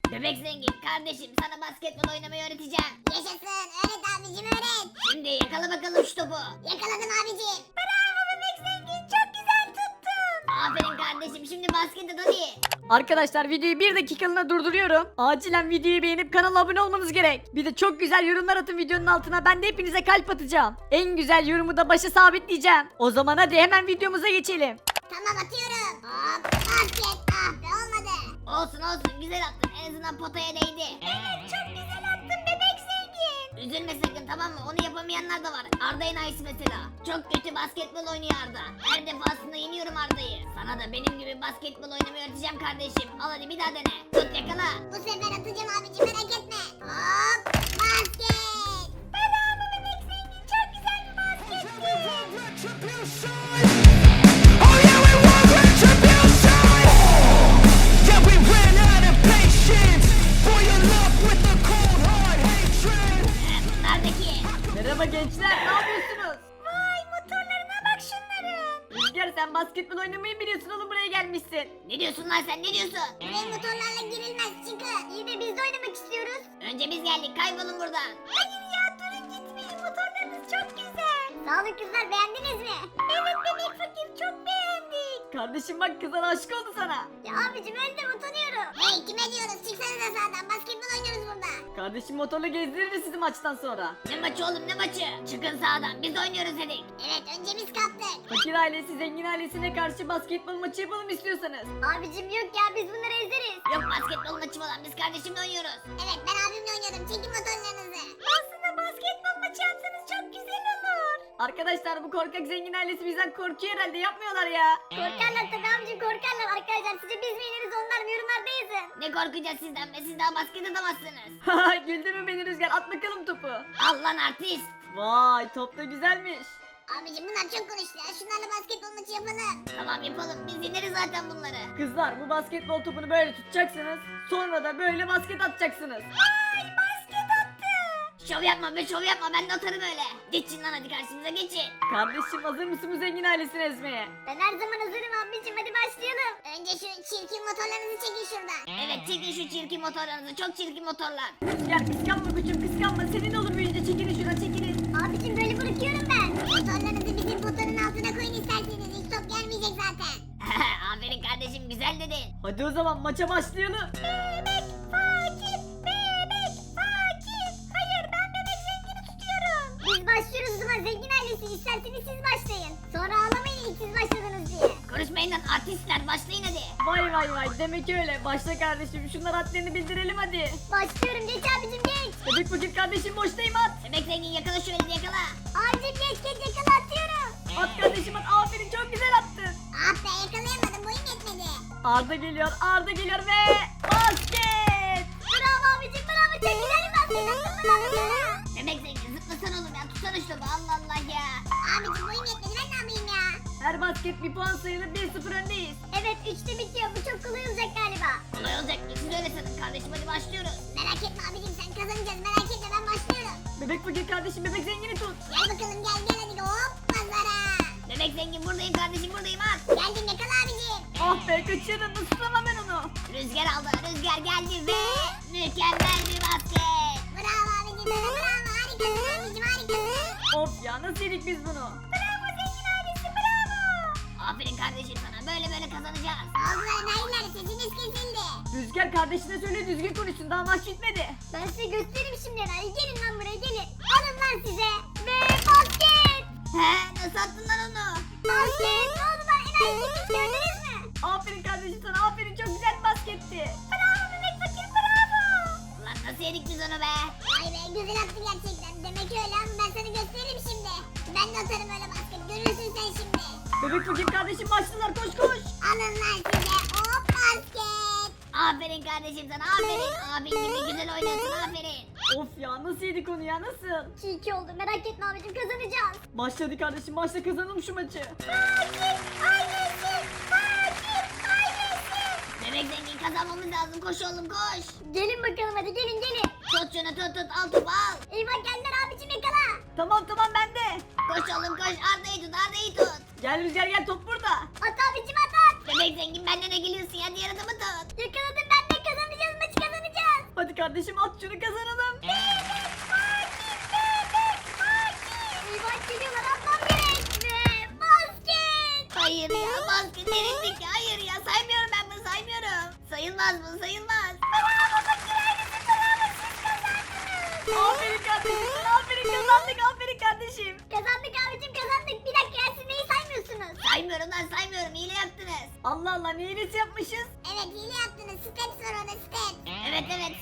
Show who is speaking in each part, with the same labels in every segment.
Speaker 1: Bebek zengin kardeşim, sana basketbol oynamayı öğreteceğim.
Speaker 2: Yaşasın, öğret abicim öğret.
Speaker 1: Şimdi yakala bakalım şu topu.
Speaker 2: Yakaladım abicim.
Speaker 1: Bravo bebek zengin, çok güzel tuttun. Aferin kardeşim, şimdi basket at hadi.
Speaker 3: Arkadaşlar videoyu bir dakikalığına durduruyorum. Acilen videoyu beğenip kanala abone olmanız gerek. Bir de çok güzel yorumlar atın videonun altına. Ben de hepinize kalp atacağım. En güzel yorumu da başa sabitleyeceğim. O zaman hadi hemen videomuza geçelim.
Speaker 2: Tamam atıyorum. Hop basket. Ah be olmadı.
Speaker 1: Olsun olsun, güzel attın, en azından potaya değdi. Evet, çok güzel attın bebek zengin. Üzülme sakın, tamam mı? Onu yapamayanlar da var. Arda Enayi'si mesela. Çok kötü basketbol oynuyor Arda. Her defasında yeniyorum Arda'yı. Sana da benim gibi basketbol oynamayı öğreteceğim kardeşim. Al hadi bir daha dene. Tut yakala.
Speaker 2: Bu sefer atacağım abicim merak etme. Hop basket.
Speaker 1: Bravo bebek zengin, çok güzel bir basketti.
Speaker 4: Oh yeah, we want retribution. Yeah, we ran out of patience. For your love with a cold hard hatred.
Speaker 1: Bunlar da ki.
Speaker 3: Merhaba gençler, ne yapıyorsunuz?
Speaker 1: Vay, motorlarına bak şunların.
Speaker 3: Rüzgar, sen basketbol oynamayı biliyorsun oğlum, buraya gelmişsin.
Speaker 1: Ne diyorsun lan sen, ne diyorsun?
Speaker 2: Buraya motorlarla girilmez çıkın. İyi de biz de oynamak istiyoruz.
Speaker 1: Önce biz geldik, kaybolun buradan. Hayır ya, durun gitmeyin, motorlarınız çok güzel.
Speaker 2: Sağ olun kızlar beğendiniz mi?
Speaker 1: Evet bebek fakir, çok beğendik.
Speaker 3: Kardeşim bak, kızlar aşık oldu sana.
Speaker 2: Ya abicim önden utanıyorum. Hey kime diyoruz çıksanıza sağdan basketbol oynuyoruz burada.
Speaker 3: Kardeşim motorla gezdirir sizi maçtan sonra.
Speaker 1: Ne maçı oğlum, ne maçı? Çıkın sağdan, biz oynuyoruz dedik.
Speaker 2: Evet önce biz kaptık.
Speaker 3: Fakir ailesi zengin ailesine karşı basketbol maçı yapalım istiyorsanız.
Speaker 2: Abicim yok ya biz bunları ezeriz.
Speaker 1: Yok basketbol maçı falan, biz kardeşimle oynuyoruz.
Speaker 2: Evet ben abimle oynadım çekin motorlarınızı.
Speaker 1: Aslında basketbol maçı yapsanız çok güzel olur.
Speaker 3: Arkadaşlar bu korkak zengin ailesi bizden korkuyor herhalde, yapmıyorlar ya.
Speaker 2: Korkarlar tabii abicim korkarlar arkadaşlar sizce biz mi yeniriz onlar mı yorumlarda yazın.
Speaker 1: Ne korkacağız sizden be, siz daha basket atamazsınız.
Speaker 3: Haha, güldürme beni Rüzgar, at bakalım topu.
Speaker 1: Al lan artist.
Speaker 3: Vay, top da güzelmiş.
Speaker 2: Abicim bunlar çok konuştu ya şunlarla basketbol maçı yapalım.
Speaker 1: Tamam yapalım, biz yeneriz zaten bunları.
Speaker 3: Kızlar, bu basketbol topunu böyle tutacaksınız. Sonra da böyle basket atacaksınız.
Speaker 1: Ay basket attı. Şov yapma be, şov yapma, ben de atarım öyle. Geçin lan hadi, karşımıza geçin.
Speaker 3: Kardeşim, hazır mısın bu zengin ailesini ezmeye?
Speaker 2: Ben her zaman hazırım abicim hadi başlayalım. Önce şu çirkin motorlarınızı çekin şuradan.
Speaker 1: Evet, çekin şu çirkin motorlarınızı, çok çirkin motorlar.
Speaker 3: Rüzgar, kıskanma koçum, kıskanma. Senin olur büyüyünce, çekilin şuradan, çekilin.
Speaker 2: Abicim böyle bırakıyorum ben. Motorlarınızı bizim potanın altına koyun isterseniz hiç top gelmeyecek zaten.
Speaker 1: Aferin kardeşim, güzel dedin.
Speaker 3: Hadi o zaman maça başlayalım.
Speaker 1: Bebek fakir, bebek fakir. Hayır, ben bebek zengini tutuyorum.
Speaker 2: Biz başlıyoruz o zaman zengin ailesi isterseniz siz başlayın. Sonra ağlamayın ilk siz başladınız diye.
Speaker 1: Konuşmayın lan artistler, başlayın hadi.
Speaker 3: Vay vay vay, demek öyle. Başla kardeşim, şunlar adlarını bildirelim hadi.
Speaker 2: Başlıyorum geç abicim geç.
Speaker 3: Bebek fakir kardeşim, boştayım, at.
Speaker 1: Bebek zengin yakala şu elini, yakala.
Speaker 2: Abicim geç geç yakala atıyorum.
Speaker 3: At kardeşim, at. Aferin, çok güzel attın.
Speaker 2: Ah be yakalayamadım boyum yetmedi.
Speaker 3: Arda geliyor, Arda geliyor ve basket.
Speaker 2: Bravo abicim bravo çok güzel bir basket attın bravo.
Speaker 1: Bebek zengin zıplasana oğlum ya, tutsana şu topu, Allah Allah ya.
Speaker 2: Abicim boyum yetmedi ben ne yapayım ya.
Speaker 3: Her basket bir puan sayılır, 1-0 öndeyiz.
Speaker 2: Evet 3'te bitiyor bu çok kolay olacak galiba.
Speaker 1: Kolay olacak mı? Siz öyle sanın kardeşim, hadi başlıyoruz.
Speaker 2: Merak etme abicim sen kazanacaksın merak etme ben başlıyorum.
Speaker 3: Bebek fakir kardeşim, bebek zengini tut.
Speaker 2: Gel bakalım gel gel hadi hop pazara.
Speaker 1: Bebek zengin buradayım kardeşim, buradayım, at.
Speaker 2: Geldim yakala abicim.
Speaker 3: Ah be, kaçırdın, nasıl tutamam ben onu.
Speaker 1: Rüzgar aldı, rüzgar geldi ve mükemmel bir basket.
Speaker 2: Bravo abicim sana bravo harikasın abicim harikasın.
Speaker 3: Of ya, nasıl yedik biz bunu?
Speaker 1: Bravo zengin ailesi, bravo. Aferin kardeşim sana, böyle böyle kazanacağız.
Speaker 2: Ağzılar nailler sesiniz kesildi.
Speaker 3: Rüzgar, kardeşine söyle düzgün konuşsun, daha maç bitmedi.
Speaker 2: Ben size göstereyim şimdi yani gelin lan buraya gelin. Alın lan size. Ve basket.
Speaker 1: He, nasıl attın lan onu?
Speaker 2: Basket ne oldu lan enayi gitmiş gördünüz mü?
Speaker 3: Aferin kardeşim sana, aferin, çok güzel bir basketti.
Speaker 1: Bravo bebek fakir, bravo. Lan nasıl yedik biz onu be?
Speaker 2: Vay be güzel attı gerçekten. Demek öyle ama ben sana göstereyim şimdi. Ben de atarım öyle basket görürsün sen şimdi.
Speaker 3: Bebek fakir kardeşim, başladılar, koş koş.
Speaker 2: Alın lan size hop basket.
Speaker 1: Aferin kardeşim sana, aferin. Abin gibi güzel oynuyorsun, aferin.
Speaker 3: Of ya, nasıl yedik onu ya, nasıl?
Speaker 2: 2-2 oldu merak etme abicim kazanacağız.
Speaker 3: Başladı kardeşim, başla, kazanalım şu maçı.
Speaker 1: Fakir ailesi, fakir ailesi. Bebek zengin, kazanmamız lazım, koş oğlum koş.
Speaker 2: Gelin bakalım hadi gelin gelin.
Speaker 1: Tut şunu, tut, al topu al.
Speaker 2: Eyvah geldiler abicim yakala.
Speaker 3: Tamam tamam, bende.
Speaker 1: Koş oğlum koş, Arda'yı tut, Arda'yı tut.
Speaker 3: Gel Rüzgar, gel, top burada.
Speaker 2: At abicim at at.
Speaker 1: Bebek zengin, benden ne geliyorsun ya, diğer adamı tut.
Speaker 2: Yakaladım ben de kazanacağız maçı kazanacağız.
Speaker 3: kardeşim at şunu kazanalım.
Speaker 2: Eyvah geliyorlar atmam gerek. Ve basket.
Speaker 1: Hayır ya basket delindik ya. Hayır ya saymıyorum ben bunu saymıyorum. Sayılmaz bu sayılmaz.
Speaker 2: Bravo fakir ailesi bravo siz kazandınız.
Speaker 3: Aferin kardeşim sana, aferin, kazandık, aferin kardeşim.
Speaker 2: Kazandık abicim kazandık. Bir dakika ya siz neyi saymıyorsunuz?
Speaker 1: Saymıyorum lan saymıyorum. Hile yaptınız.
Speaker 3: Allah Allah ne iyilesi yapmışız.
Speaker 2: Evet hile yaptınız. Steps var orada steps.
Speaker 1: Evet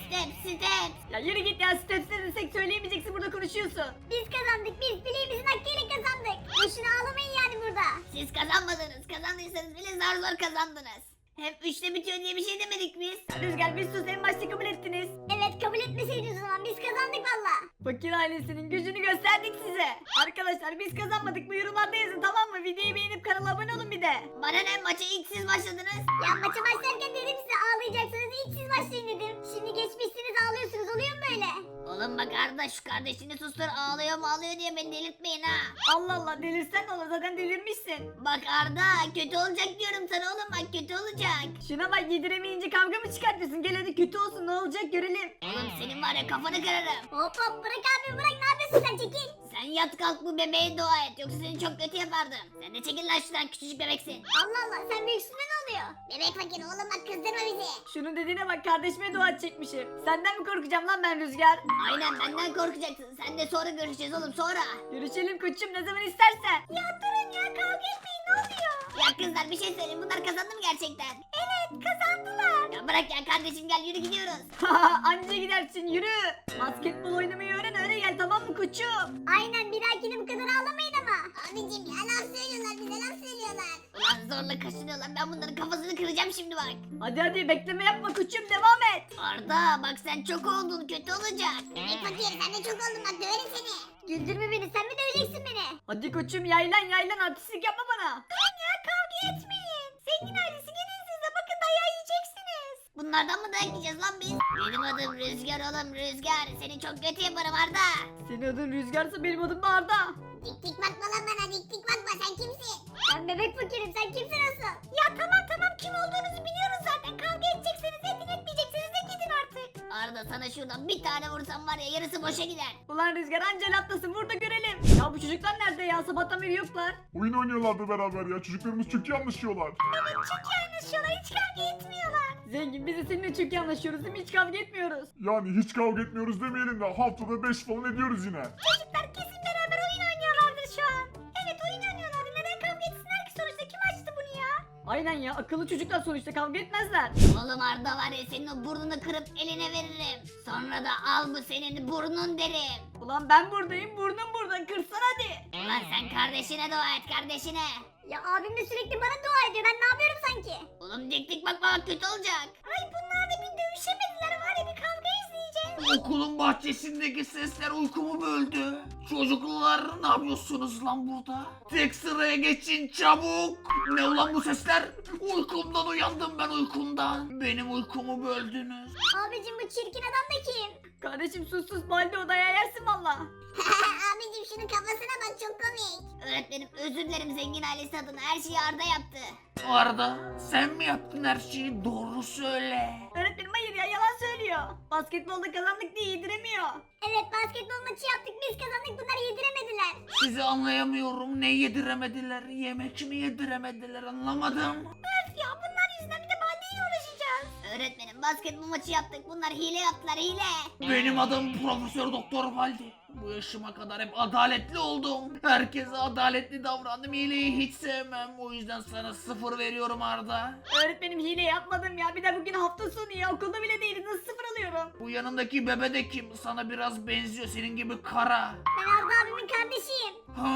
Speaker 1: step.
Speaker 3: Ya yürü git ya, steps ne desek söyleyemeyeceksin, burada konuşuyorsun.
Speaker 2: Biz kazandık biz bileğimizin hakkıyla kazandık. Boşuna ağlamayın yani burada.
Speaker 1: Siz kazanmadınız. Kazandıysanız bile zar kazandınız. Hem 3'te bitiyor diye bir şey demedik biz.
Speaker 3: Rüzgar bir sus, en başta kabul ettiniz.
Speaker 2: Evet kabul etmeseydiniz o zaman biz kazandık valla.
Speaker 3: Fakir ailesinin gücünü gösterdik size. Arkadaşlar biz kazanmadık, bu yorumlarda yazın tamam mı? Videoyu beğenip kanala abone olun bir de.
Speaker 1: Bana ne maça ilk siz başladınız.
Speaker 2: Ya maça başlarken dedim size ağlayacaksınız ilk siz başlayın dedim. Şimdi geçmişsiniz ağlıyorsunuz oluyor mu böyle?
Speaker 1: Oğlum bak Arda şu kardeşini sustur ağlıyor mu ağlıyor diye beni delirtmeyin ha.
Speaker 3: Allah Allah, delirsen ne olur, zaten delirmişsin.
Speaker 1: Bak Arda kötü olacak diyorum sana oğlum bak kötü olacak.
Speaker 3: Şuna bak, yediremeyince kavga mı çıkartıyorsun? Gel hadi kötü olsun, ne olacak görelim.
Speaker 1: Oğlum senin var ya kafanı kırarım.
Speaker 2: Hop hop bırak abi bırak ne yapıyorsun sen çekil.
Speaker 1: Sen yat kalk bu bebeğe dua et yoksa seni çok kötü yapardım. Sen de çekil lan şuradan küçücük bebeksin.
Speaker 2: Allah Allah sen büyüksün ne oluyor? Bebek fakir oğlum bak kızdırma bizi.
Speaker 3: Şunun dediğine bak, kardeşime dua edecekmişim. Senden mi korkacağım lan ben Rüzgar?
Speaker 1: Aynen benden korkacaksın. Sen de sonra görüşeceğiz oğlum sonra.
Speaker 3: Görüşelim koçum, ne zaman istersen.
Speaker 2: Ya durun ya kavga etmeyin ne oluyor?
Speaker 1: Ya kızlar bir şey söyleyeyim bunlar kazandı mı gerçekten?
Speaker 2: Evet kazandılar.
Speaker 1: Ya bırak ya kardeşim gel yürü gidiyoruz.
Speaker 3: Anca gidersin, yürü. Basketbol oynamayı öyle gel tamam mı koçum?
Speaker 2: Aynen bir dahakine bu kadar ağlamayın ama. Abicim ya laf söylüyorlar bize laf söylüyorlar.
Speaker 1: Ulan zorla kaşınıyorlar ben bunların kafasını kıracağım şimdi bak.
Speaker 3: Hadi bekleme yapma koçum, devam et.
Speaker 1: Arda bak sen çok oldun kötü olacak.
Speaker 2: Bebek fakir sen de çok oldun bak döverim seni. Güldürme beni sen mi döveceksin beni?
Speaker 3: Hadi koçum, yaylan artistlik yapma bana.
Speaker 2: Durun ya kavga etmeyin. Zengin ailesi gelin siz de bakın dayağı yiyeceksiniz.
Speaker 1: Bunlardan mı dayak yiyeceğiz lan biz? Benim adım Rüzgar oğlum Rüzgar. Seni çok kötü yaparım Arda.
Speaker 3: Senin adın Rüzgar'sa benim adım da Arda.
Speaker 2: Dik dik bakma lan bana dik dik bakma sen kimsin? Ben bebek fakirim sen kimsin asıl? Ya tamam kim olduğunuzu biliyoruz zaten kavga edecekseniz edin etmeyecekseniz de gidin artık.
Speaker 1: Arda sana şuradan bir tane vursam var ya yarısı boşa gider.
Speaker 3: Ulan Rüzgar anca atlasın, burada görelim. Ya bu çocuklar nerede ya, sabahtan beri yoklar.
Speaker 5: Oyun oynuyorlardı beraber ya. Çocuklarımız çok iyi anlaşıyorlar.
Speaker 2: Evet çok iyi anlaşıyorlar hiç kavga etmiyorlar.
Speaker 3: Zengin, biz de seninle çok iyi anlaşıyoruz değil mi? Hiç kavga etmiyoruz.
Speaker 5: Yani hiç kavga etmiyoruz demeyelim de haftada 5 falan ediyoruz yine.
Speaker 2: Çocuklar kesin beraber oyun oynuyorlardır şu an. Evet oyun oynuyorlardı neden kavga etsinler ki sonuçta kim açtı bunu ya?
Speaker 3: Aynen ya, akıllı çocuklar sonuçta, kavga etmezler.
Speaker 1: Oğlum Arda var ya senin o burnunu kırıp eline veririm. Sonra da al bu senin burnun derim.
Speaker 3: Ulan ben buradayım, burnum burada, kırsan hadi.
Speaker 1: Ulan sen kardeşine dua et kardeşine.
Speaker 2: Ya abim de sürekli bana dua ediyor ben ne yapıyorum sanki?
Speaker 1: Oğlum dik dik bakma bak kötü olacak.
Speaker 2: Ay bunlar da bir dövüşemediler var ya bir kavga izleyeceğiz.
Speaker 6: Okulun bahçesindeki sesler uykumu böldü. Çocuklar ne yapıyorsunuz lan burada? Tek sıraya geçin çabuk. Ne ulan bu sesler? Uykumdan uyandım ben uykumdan. Benim uykumu böldünüz.
Speaker 2: Abicim bu çirkin adam da kim?
Speaker 3: Kardeşim sus balde, odaya yersin valla.
Speaker 2: Abicim şunun kafasına bak çok komik.
Speaker 1: Öğretmenim özür dilerim zengin ailesi adına her şeyi Arda yaptı.
Speaker 6: Arda sen mi yaptın her şeyi? Doğru söyle.
Speaker 3: Öğretmenim hayır ya, yalan söylüyor. Basketbolda kazandık diye yediremiyor.
Speaker 2: Evet basketbol maçı yaptık biz kazandık bunlar yediremediler.
Speaker 6: Sizi anlayamıyorum. Ne yediremediler? Yemek mi yediremediler? Anlamadım.
Speaker 2: Öf ya bunlar yüzünden bir de baldeyle uğraşacağız.
Speaker 1: Öğretmenim basketbol maçı yaptık bunlar hile yaptılar hile.
Speaker 6: Benim adım Profesör Doktor Valdi. Bu yaşıma kadar hep adaletli oldum. Herkese adaletli davrandım. Hileyi hiç sevmem. O yüzden sana 0 veriyorum Arda.
Speaker 3: Öğretmenim hile yapmadım ya, bir de bugün hafta sonu ya, okulda bile değiliz, nasıl 0 alıyorum?
Speaker 6: Bu yanındaki bebe de kim? Sana biraz benziyor. Senin gibi kara.
Speaker 2: Ben Arda abimin kardeşiyim.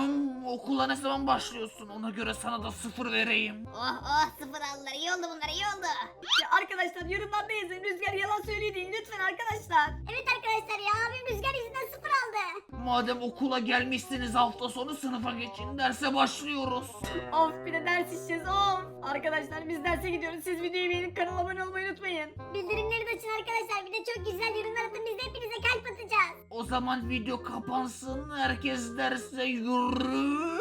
Speaker 6: Okula ne zaman başlıyorsun? Ona göre sana da 0 vereyim.
Speaker 1: Oh sıfır aldılar iyi oldu bunlar iyi oldu.
Speaker 3: Ya arkadaşlar yorumlarda yazın, Rüzgar yalan söylüyor deyin lütfen arkadaşlar.
Speaker 2: Evet arkadaşlar ya abim rüzgar yüzünden 0 aldı.
Speaker 6: Madem okula gelmişsiniz hafta sonu sınıfa geçin. Derse başlıyoruz.
Speaker 3: Of bir de ders işeceğiz of. Arkadaşlar biz derse gidiyoruz, siz videoyu beğenip kanala abone olmayı unutmayın.
Speaker 2: Bildirimleri de açın arkadaşlar bir de çok güzel yorumlar atın biz de hepinize kalp atacağız.
Speaker 6: O zaman video kapansın. Herkes derse yürü.